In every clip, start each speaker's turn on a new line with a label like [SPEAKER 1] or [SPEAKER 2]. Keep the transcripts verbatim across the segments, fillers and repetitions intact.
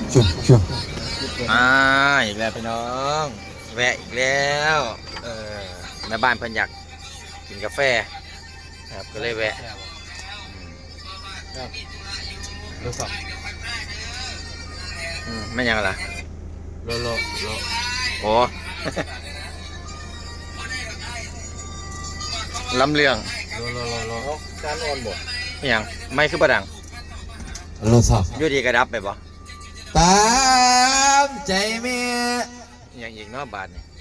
[SPEAKER 1] จุ๊บจุ๊บ
[SPEAKER 2] อ่าอีกแล้วพี่น้องแวะอีกแล้วเออแม่บ้านเพิ่นอยากกินกาแฟครับก็เลยแวะ
[SPEAKER 3] รู้สัก
[SPEAKER 2] อืมไม่ยังล่ะ
[SPEAKER 3] โลโลโล
[SPEAKER 2] โอ้ลำเลียง
[SPEAKER 3] โลโลโลโลการอ่อนบ่
[SPEAKER 2] ไม่ยังไม่คือประดัง
[SPEAKER 1] โลสัก
[SPEAKER 2] อยู่ดีกระดับไปบ่
[SPEAKER 1] ตามใจเมีย
[SPEAKER 2] ยังอีกเนาะบาทนี่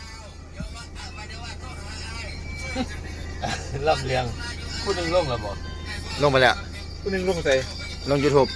[SPEAKER 3] ลำเลียงผู้หนึ่งลงแล้วบ่
[SPEAKER 2] ลงไปแล้ว
[SPEAKER 3] ผู้หนึ่งลงใส่
[SPEAKER 2] ลง YouTube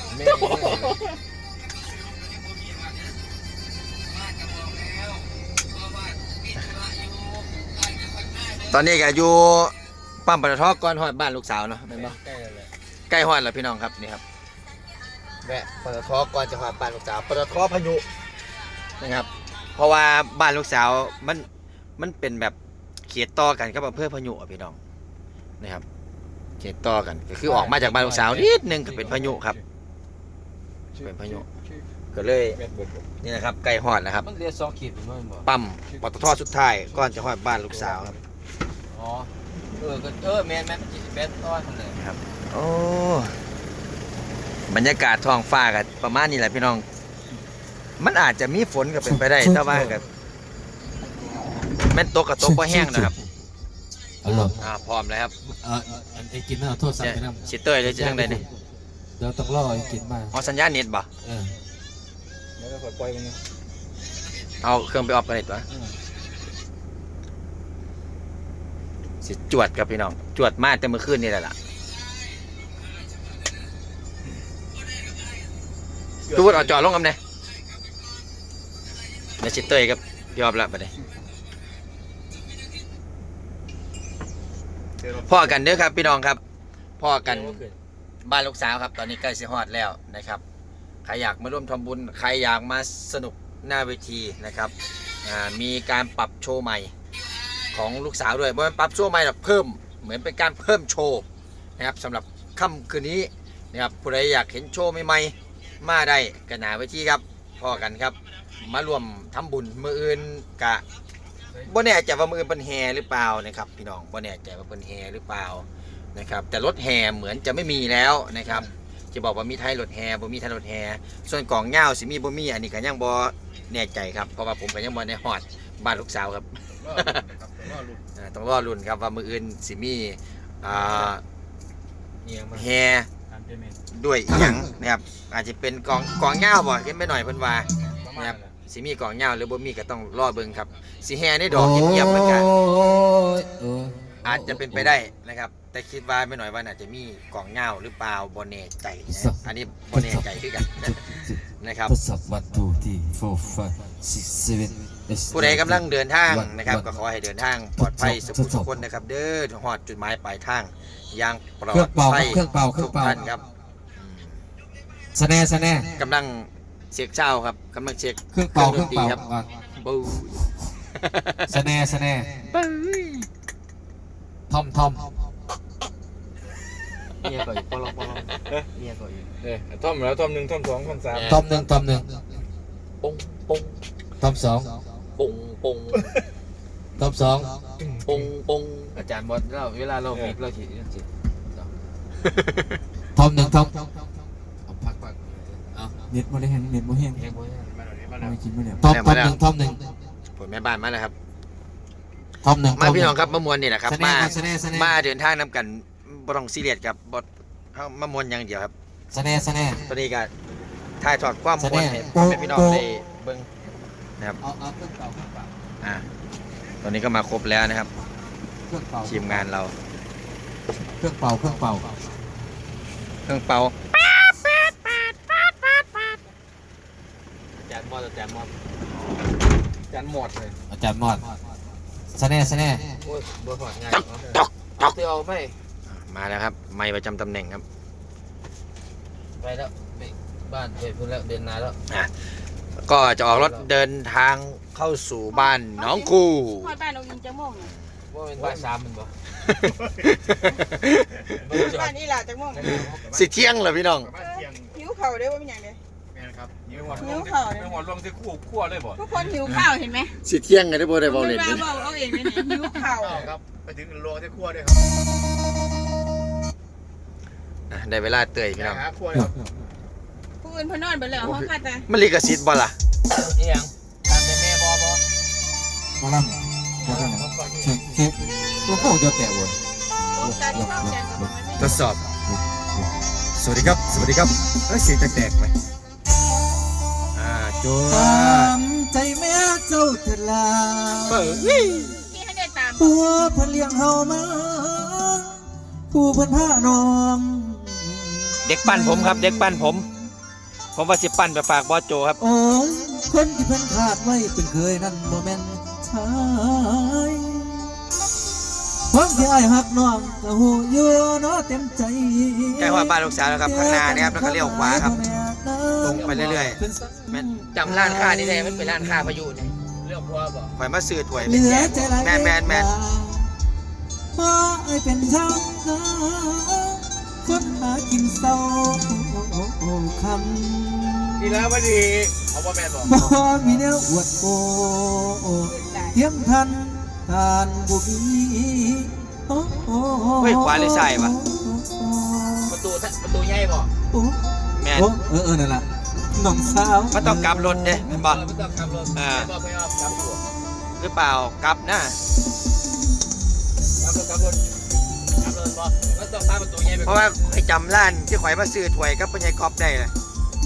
[SPEAKER 2] ตอนนี้ก็อยู่ปั๊มปตทก่อนฮอดบ้านลูกสาวเนาะแม่นบ่
[SPEAKER 3] ใกล้แล้วแหละ
[SPEAKER 2] ใกล้ฮอดแล้วพี่น้องครับนี่ครับแวะปตทก่อนจะฮอดบ้านลูกสาวปตทพายุนะครับเพราะว่าบ้านลูกสาวมันมันเป็นแบบเขตต่อกันกับอำเภอพายุอ่ะพี่น้องนะครับเขตต่อกันก็คือออกมาจากบ้านลูกสาวนิดนึงก็เป็นพายุครับเป็นพายุก็เลยนี่นะครับใกล้ฮอดนะครับ
[SPEAKER 3] มันเรียกสองขีดเป็นมั้งบ่
[SPEAKER 2] ปั๊มปตทสุดท้ายก่อนจะฮอดบ้านลูกสาวครับ
[SPEAKER 3] อ๋อเออก็เออแมนแมนแมนต้อนทำเลย
[SPEAKER 2] ครับโอ้บรรยากาศท้องฟ้ากันประมาณนี้แหละพี่น้องมันอาจจะมีฝนก็เป็นไปได้แต่ว่ากับแม่นตกกับตกบ่แห้งนะครับอ่าพร้อมแล้วครับ
[SPEAKER 1] เออไอ้กินน่ะโทษสั่งไปนำ
[SPEAKER 2] สิเตยเลยจะจังได๋นี่
[SPEAKER 1] เดี๋ยวต้องรอไอ้กินมา
[SPEAKER 2] อ๋อสัญญาณเน็ตบ่
[SPEAKER 1] เออ
[SPEAKER 3] เดี๋ยวก็ปล่อยมัน
[SPEAKER 2] เอาเครื่องไปออฟกันเน็ตวะสิจวดกับพี่น้องจวดมาแต่เมื่อคืนนี่แหละล่ะทุกคนเอาจอลงกันเนี่ยเดี๋ยวสิเตยกับพี่ออฟละไปเลยพ่อกันเด้อครับพี่น้องครับพ่อกันบ้านลูกสาวครับตอนนี้ใกล้สิฮอดแล้วนะครับใครอยากมาร่วมทำบุญใครอยากมาสนุกหน้าเวทีนะครับมีการปรับโชว์ใหม่ของลูกสาวด้วยเพราะมันปรับโชว์ใหม่แบบเพิ่มเหมือนเป็นการเพิ่มโชว์นะครับสำหรับค่ำคืนนี้นะครับผู้ใดอยากเห็นโชว์ใหม่ๆมาได้กันหนาเวทีครับพ่อกันครับมารวมทำบุญมืออื่นกะบ่แน่ใจว่ามืออื่นเป็นแห่หรือเปล่านะครับพี่น้องบ่แน่ใจว่าเป็นแห่หรือเปล่านะครับแต่รถแห่เหมือนจะไม่มีแล้วนะครับจะบอกว่ามีไทยรถแห่บ่มีไทยรถแห่ส่วนกล่องเงาสิมีบ่มีอันนี้ก็ยังบ่แน่ใจครับเพราะว่าผมก็ยังบ่ได้ฮอดบ้านลูกสาวครับต้องรอรุ่นครับว่ามืออื่นสิมีแห่ด้วยหยังนะครับอาจจะเป็นกล่องกล่องเงาบ่ขึ้นไปหน่อยเพิ่นว่านะครับสิมีกล่องเงาหรือบ่มีก็ต้องรอเบิ่งครับสิแห่ในดอกเงียบๆเหมือนกันอาจจะเป็นไปได้นะครับแต่คิดว่าไม่หน่อยว่าน่าจะมีกล่องเงาหรือเปล่าบ่แน่ใจอันนี้บ่แน่ใจคือกันนะครับผู้ใดกำลังเดินทางนะครับก็ขอให้เดินทางปลอดภัยสุขทุกคนนะครับเด้อฮอดจุดหมายปลายทางอย่างปลอดภัยทุกท่านครับ
[SPEAKER 1] สแน่สแน่
[SPEAKER 2] กำลังเช็คเช้าครับกำลังเช็ค
[SPEAKER 1] เครื่องเป่าเครื่องเป่า
[SPEAKER 2] ครับบู
[SPEAKER 1] สแน่สแน่ทอมทอม
[SPEAKER 3] เมียก่อนอยู่ปลอกปลอกเมียก่อนอยู่เออทอมแล้วทอมหนึ่งทอมสองทอมสาม
[SPEAKER 1] ทอมหนึ่งทอมหนึ่ง
[SPEAKER 2] ปงปง
[SPEAKER 1] ทอมสอง
[SPEAKER 2] ปงปง
[SPEAKER 1] ทอมสอง
[SPEAKER 2] ปงปง
[SPEAKER 3] อาจารย์บอลเราเวลาเรามีเราฉีดฉีด
[SPEAKER 1] ทอมหนึ่งทอมพักพักเน็ตโมเดลเน็ตโมเดลเน็ตโมเดลไม่กินไม่ได้ทอมทอมหนึ่งทอมหนึ่ง
[SPEAKER 2] ผมแม่บ้านมาแล้วครับ
[SPEAKER 1] ทอมหนึ่ง
[SPEAKER 2] มาพี่น้องครับมามวลนี่แหละครับมามาเดินทางนำกันบ่ต้องซีเรียสกับบทมามวลอย่างเดียวครับ
[SPEAKER 1] สแน่สแน่
[SPEAKER 2] ตอนนี้ก็ถ่ายทอดความมวลให้พี่น้องได้เบิ่งนะครับอ่าตอนนี้ก็มาครบแล้วนะครับทีมงานเรา
[SPEAKER 1] เครื่องเป่าเครื่องเป่า
[SPEAKER 2] เครื่องเป่า
[SPEAKER 3] อาจารย์มอดอาจารย์มอดอาจารย์หมดเลย
[SPEAKER 1] อาจารย์มอดสแน่สแน่
[SPEAKER 3] โอ้ยบัวถอดง่าย
[SPEAKER 2] ตอกตอก
[SPEAKER 3] เตียวไม่
[SPEAKER 2] มาแล้วครับไม้ประจำตำแหน่งครับ
[SPEAKER 3] ไปแล้วบ้านเดินพื้นแล้วเดินนานแล้ว
[SPEAKER 2] อ่ะก็จะออกรถเดินทางเข้าสู่บ้านน้องคู่
[SPEAKER 4] บ้านน้องยิงจะม่วง
[SPEAKER 3] ว่าเป็นบ้านสามมันบ่
[SPEAKER 4] บ้านนี้แหละจะม่วง
[SPEAKER 2] สิเที่ยงเหรอพี่น้อง
[SPEAKER 4] หิวเข่าได้ว่าเป็นอย่างไร
[SPEAKER 3] ม่นครับหิวหอดลงที่หิวหอดลงที่คู่ขั้วเลยบ่
[SPEAKER 4] ทุกคนหิวข้าวเห็นไหม
[SPEAKER 2] สิเที่ยงกันได้บ่ได้บ่เล่น
[SPEAKER 4] เบ
[SPEAKER 2] เด้อ
[SPEAKER 4] าเอาเองเลยเนี่ยหิวข้าว
[SPEAKER 3] ครับไปถึงลงที่ขั้วด้วยครับ
[SPEAKER 2] อ่ะได้เวลาเตยพี่น้อง
[SPEAKER 3] หาขั้วเลยครับ
[SPEAKER 4] ผู้อื่นเพนนอนไปแล้วห้องค่ะแต่
[SPEAKER 2] มันลิขสิทธิ์บ่ล่ะ
[SPEAKER 3] เอียงตามแม่บอบอ
[SPEAKER 1] มาลำมาลำเช็คเช็คตัวโค้งจะแตะวน
[SPEAKER 4] ตกใจที่เข้าใจกับมันไม่
[SPEAKER 2] ทดสอบ สวัสดีครับ สวัสดีครับเอ้ยเสียงแตกๆไหมอ่าโจ้
[SPEAKER 1] ตามใจแม่เจ้าเถิดลา
[SPEAKER 2] เปิด
[SPEAKER 4] ที่ให้ได้ตาม
[SPEAKER 1] ผัวเพิ่นเลี้ยงเฮามาผู้เพิ่นพาน้อง
[SPEAKER 2] เด็กปั้นผมครับ เด็กปั้นผม ผมว่าสิปั้นไปฝากบอสโจครับ
[SPEAKER 1] โอ้ยคนที่เพิ่นขาดไว้เป็นเคยนั่นบ่แม่นชายความที่อ้ายฮักน้องก็ฮู้อยู่เนาะเต็มใจ
[SPEAKER 2] ใกล้ว่าบ้านลูกสาวแล้วครับข้างหน้านะครับแล้วก็เลี้ยวขวาครับ ตรงไปเรื่อยๆแม่นจำร้านค้านี่ได้มันเป็นร้านค้าพายุนี่
[SPEAKER 3] เรื่องขั้วบ่
[SPEAKER 2] ข่อยมาซื้อถ้วย
[SPEAKER 1] เห
[SPEAKER 2] ไป
[SPEAKER 1] ลื
[SPEAKER 2] แจ
[SPEAKER 1] อก ใจหลาย
[SPEAKER 2] แมนแมนแมน
[SPEAKER 1] เพราะไอ้เป็นชาวนาคนหากินเศร้าคำ
[SPEAKER 3] นี่แล้วพอดีเอาบ่แม่นบ่
[SPEAKER 1] บ่มีแนวอวดโอ้เทียมทันทานบุบีโอ้โอ้
[SPEAKER 2] เฮ้ยขวาหรือซ้ายวะ
[SPEAKER 3] ประตูประตูใหญ่บ่
[SPEAKER 1] โอ้
[SPEAKER 2] แมน
[SPEAKER 1] โอ้เออเออนั่นล่ะน้องสาว
[SPEAKER 2] มันต้องกลับรถเด้แม่นบ่
[SPEAKER 3] ไม่ต้องขับรถ
[SPEAKER 2] อ่า
[SPEAKER 3] ไม่ต้องไปเอาขับรถ
[SPEAKER 2] หรือเปล่ากลับนะ
[SPEAKER 3] ขับรถขับรถขับรถบ่ก็ต้องพาประตูใหญ่ไป
[SPEAKER 2] เพราะว่าข่อยจำร้านที่ข่อยมาซื้อถ้วยกับปัญญากอบได้เลย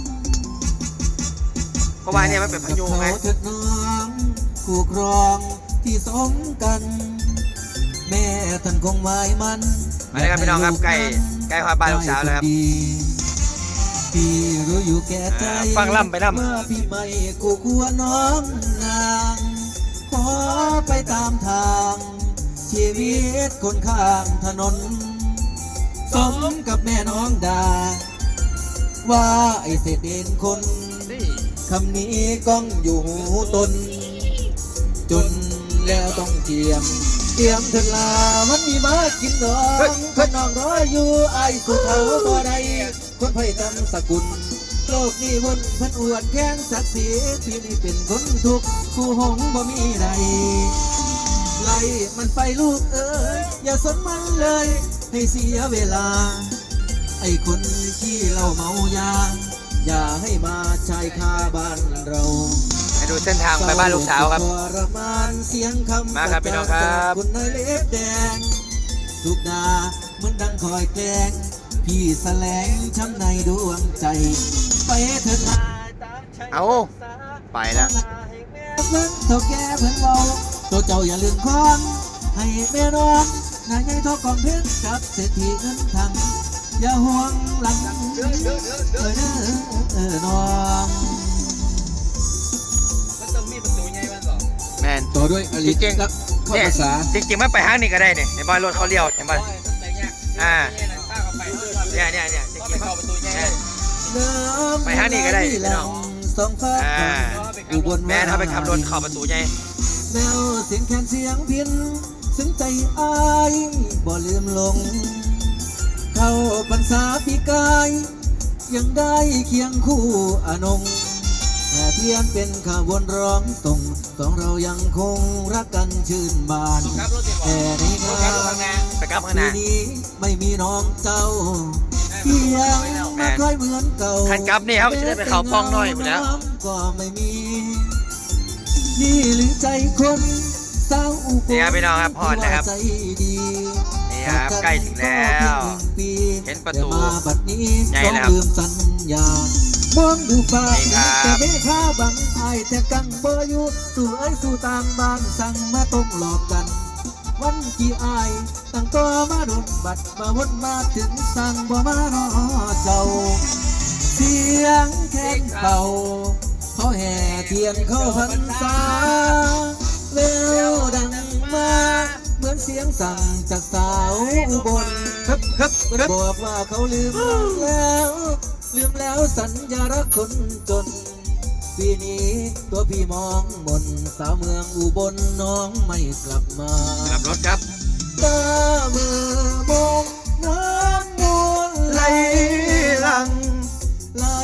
[SPEAKER 2] เพราะว่าเนี่ยมันเป็นพายุไง
[SPEAKER 1] เขาเถิดน้องคู่ครองที่สมกัน แม่ท่านคงไว้มัน
[SPEAKER 2] มาเลยครับพี่น้องครับใกล้ใกล้ความบ้านลูกสาวแล้วครับ
[SPEAKER 1] พี่รู้อยู่แก่ใจ
[SPEAKER 2] อ่าฟังล่ำไปนำ
[SPEAKER 1] ว่าพี่ไม่คู่ควรน้องนางขอไปตามทาง ชีวิตคนข้างถนน สมกับแม่น้องดา ว่าไอเศษเด่นคนคำนี้ก้องอยู่หูตน จนแล้วต้องเจียม เตรียมเถิดลามันมีมากินน้องคนน้องรออยู่ไอ้สุเทาบ่ได้คนไผ่ตำสกุล โลกนี้วนเพันอวดแข้งศักดิ์ศรีที่นี่เป็นคนทุกข์คู่หงบ่มีใดไล่มันไปลูกเอ้ยอย่าสนมันเลย ให้เสียเวลา ไอ้คนที่เราเมายา อย่าให้มาชายคาบ้านเรา
[SPEAKER 2] ให้ดูเส้นทางไปบ้านลูกสาวครับ
[SPEAKER 1] ทรมานเสียงคำ
[SPEAKER 2] มาครับพี่น้องครับ
[SPEAKER 1] คุณนายเล็บแดงทุกดาเหมือนดังคอยแกล้งพี่แสลงช้ำในดวงใจ ไปเถิดลาตามใจ
[SPEAKER 2] เอาไปแล้ว
[SPEAKER 1] เพิ่นเท่าแก่เพิ่นเบาตัวเจ้าอย่าลืมคอนให้แม่น้องนายใหญ่ทอกของเพชรกับเศรษฐีเงินทังอย่าห่วงหลังเออเด้อเออน้อง
[SPEAKER 3] มันต้องมีประตูใหญ่มันบ่
[SPEAKER 2] แมน
[SPEAKER 1] ต่อด้วยอลิ
[SPEAKER 2] จริงๆ
[SPEAKER 1] ข้อ
[SPEAKER 2] เนี่ย
[SPEAKER 1] ภาษา
[SPEAKER 2] จริงๆมันไปห้างนี่ก็ได้เนี่ยในบ้านรถเขาเลี้ยวเห็นป่ะ
[SPEAKER 3] ต้องแต่งยาก
[SPEAKER 2] อ่า
[SPEAKER 3] ถ้าเข้าไปเรื่อย
[SPEAKER 2] เนี่ยเนี่ยเนี่ยจ
[SPEAKER 3] ๆก็
[SPEAKER 2] ริ
[SPEAKER 3] ไป
[SPEAKER 2] งๆ
[SPEAKER 3] เข้าประตูใหญ่
[SPEAKER 2] เนี่ย ไปหานี่ก็ได้พี่น้อง
[SPEAKER 1] สองฟ้า
[SPEAKER 2] อ่า
[SPEAKER 1] อุบล
[SPEAKER 2] แม่ถ้าไปขับรถเข้าประตูใหญ่
[SPEAKER 1] แมวเสียงแคนเสียงพินซึ้งใจอายบ่ลืมลง เข้าพรรษาปีกาย ยังได้เคียงคู่อนงแต่เทียนเป็นข่าววนร้องส่งสองเรายังคงรักกันชื่นบาน
[SPEAKER 3] ขับรถสิบ่
[SPEAKER 1] แต่ในงา
[SPEAKER 3] ขับรถ
[SPEAKER 1] น
[SPEAKER 3] ข้างหน้า
[SPEAKER 2] ไปกลับข้างห
[SPEAKER 1] ปี
[SPEAKER 2] น้า
[SPEAKER 1] นี้ไม่มีน้องเจ้าเพียงมาค่อยเหมือนเก่า
[SPEAKER 2] คันกลับนี่ครับจะได้ไปเขาป้องน้อยหมดแล้ว
[SPEAKER 1] ก็ไม่มี นี่หรือใจคนสาวอุบล
[SPEAKER 2] นี่ครับพี่น้องครับฮอดแล้วครับ
[SPEAKER 1] ใจดี
[SPEAKER 2] นี่ครับใกล้ถึงแล้ว เห็นประตู
[SPEAKER 1] แต่มาบัดนี้
[SPEAKER 2] ใหญ่
[SPEAKER 1] ต้อง
[SPEAKER 2] แล้วครับ
[SPEAKER 1] ลืมสัญญามองดูฟ้า
[SPEAKER 2] นี่ครับ
[SPEAKER 1] แต่เมฆาบังไอายแต่กังเบออยู่สู่ไอ้ยสู่ต่างบ้านสั่งมาต้องหลอกกัน วันที่อายตั้งตัวมาโดนบัดมาวนมาถึงสั่งบ่มารอเจ้า เสียงแค้นเป่าเขาแห่เทียนเข้าพรรษาเววดังมาเหมือนเสียงสั่งจากสาวอุบล
[SPEAKER 2] ฮึบฮึบฮึบ
[SPEAKER 1] บอกว่าเขาลืมแล้ว ลืมแล้วสัญญารักคนจน ปีนี้ตัวพี่มองมนสาวเมืองอุบลน้องไม่กลับมา
[SPEAKER 2] กลับรถครับ
[SPEAKER 1] ตาเมื่อมองน้ำมูลไหลหลังไหลไป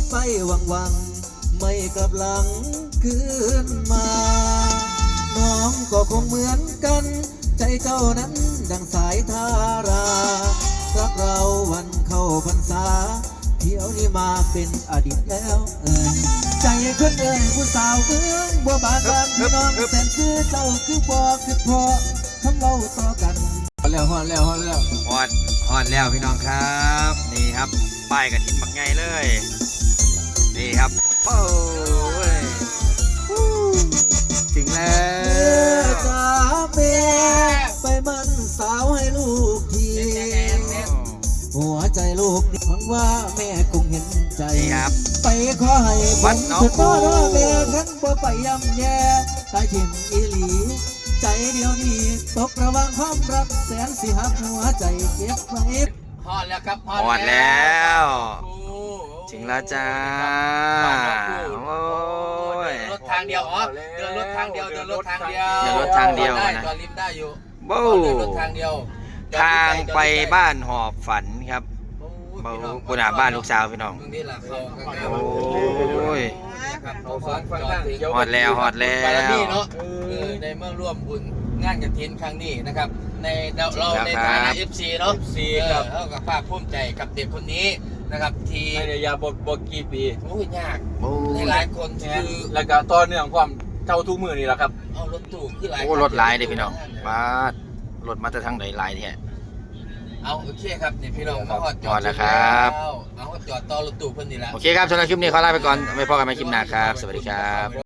[SPEAKER 1] ไปหวังหวังไม่กลับหลังคืนมา น้องก็คงเหมือนกัน ใจเจ้านั้นดังสายทารารักเราวันเข้าพรรษาเที่ยวนี้มาเป็นอดีตแล้วเอ่ยใจคนเอ่ยผู้สาวเมืองบัวบานบานพี่น้องแสนคือเจ้าคือบ่คือพ่อทำเราต่อกันฮอดแล้วฮอดแล้วฮอดแล้ว
[SPEAKER 2] ฮอดฮอดแล้วพี่น้องครับ นี่ครับป้ายกระถินบักไงเลย นี่ครับโอ้ยฮู้ถึงแล้
[SPEAKER 1] เมื่อ
[SPEAKER 2] ว
[SPEAKER 1] จ้าแม่ไปมันสาวให้ลูกที หัวใจลูกนี่หวังว่าแม่คงเห็นใจ
[SPEAKER 2] นี่ครับ
[SPEAKER 1] ไปขอให้ผ
[SPEAKER 2] วั
[SPEAKER 1] ม
[SPEAKER 2] ดหนอง
[SPEAKER 1] สุด
[SPEAKER 2] คู
[SPEAKER 1] พ่อว่าแม่ขันบ่ไปย่ำแย่ตายถิ่มอีหลี ใจเดียวนี้ตกระหว่างความรักแสนสิหักหัวใจเก็บไว้
[SPEAKER 3] ฮอดแล้วครับ
[SPEAKER 2] ฮอดแล้ว
[SPEAKER 3] โอ้
[SPEAKER 2] ถึงแล้วจ้า โอ้ย
[SPEAKER 3] เดินรถทางเดียวอ๋อเดินรถทางเดียวเดินรถทางเดียว
[SPEAKER 2] เดินรถทางเดียว
[SPEAKER 3] ได้
[SPEAKER 2] นะ
[SPEAKER 3] จอดริมได้อยู่
[SPEAKER 2] โบ้
[SPEAKER 3] เดินรถทางเดียว
[SPEAKER 2] ทางไปบ้านหอบฝันครับ
[SPEAKER 3] โอ้
[SPEAKER 2] เบ้าย
[SPEAKER 3] พี่น้อง
[SPEAKER 2] ปุณาบ้านลูกสาวพี่น้อง
[SPEAKER 3] ตรงนี้แหละเขาข้างหน้า
[SPEAKER 2] โอ้ย
[SPEAKER 3] ครับเขาฟังฟังทางเดียว
[SPEAKER 2] ฮอดแล้วฮอดแล้ว
[SPEAKER 3] บารมีเนาะเออในเมื่อร่วมบุญงานกฐินครั้งนี้นะครับ ในเราเราในฐานะ เอฟ ซี เนาะ
[SPEAKER 5] เอฟ ซี
[SPEAKER 3] เออ
[SPEAKER 5] ครับ
[SPEAKER 3] เท่ากับภาคภูมิใจกับเด็กคนนี้นะครับ ที่
[SPEAKER 5] ในระยะบทบทกี่ปี
[SPEAKER 3] โอ้ยยาก
[SPEAKER 2] โอ้
[SPEAKER 3] ใน
[SPEAKER 2] ย
[SPEAKER 3] หลายคนคือ
[SPEAKER 5] แล้วก็ต่อเนื่องความเท่าทุกมือนี่แหละครับ
[SPEAKER 3] เอารถตู้คือหลาย
[SPEAKER 2] โอ้รถหลายเด้พี่น้องบ้ารถมาแต่ทางไหนหลายแท้
[SPEAKER 3] เอาโอเคครับนี่พี่น้องมาฮอดจอ
[SPEAKER 2] ฮอ
[SPEAKER 3] ด
[SPEAKER 2] ดแล้วครับ
[SPEAKER 3] เอาฮอดจอดต่อรถตู้เพิ่นนี่แหละ
[SPEAKER 2] โอเคครับสำหรับคลิปนี้ขอลาไปก่อนไว้พบกันใหม่คลิปหน้าครับ สวัสดีครับ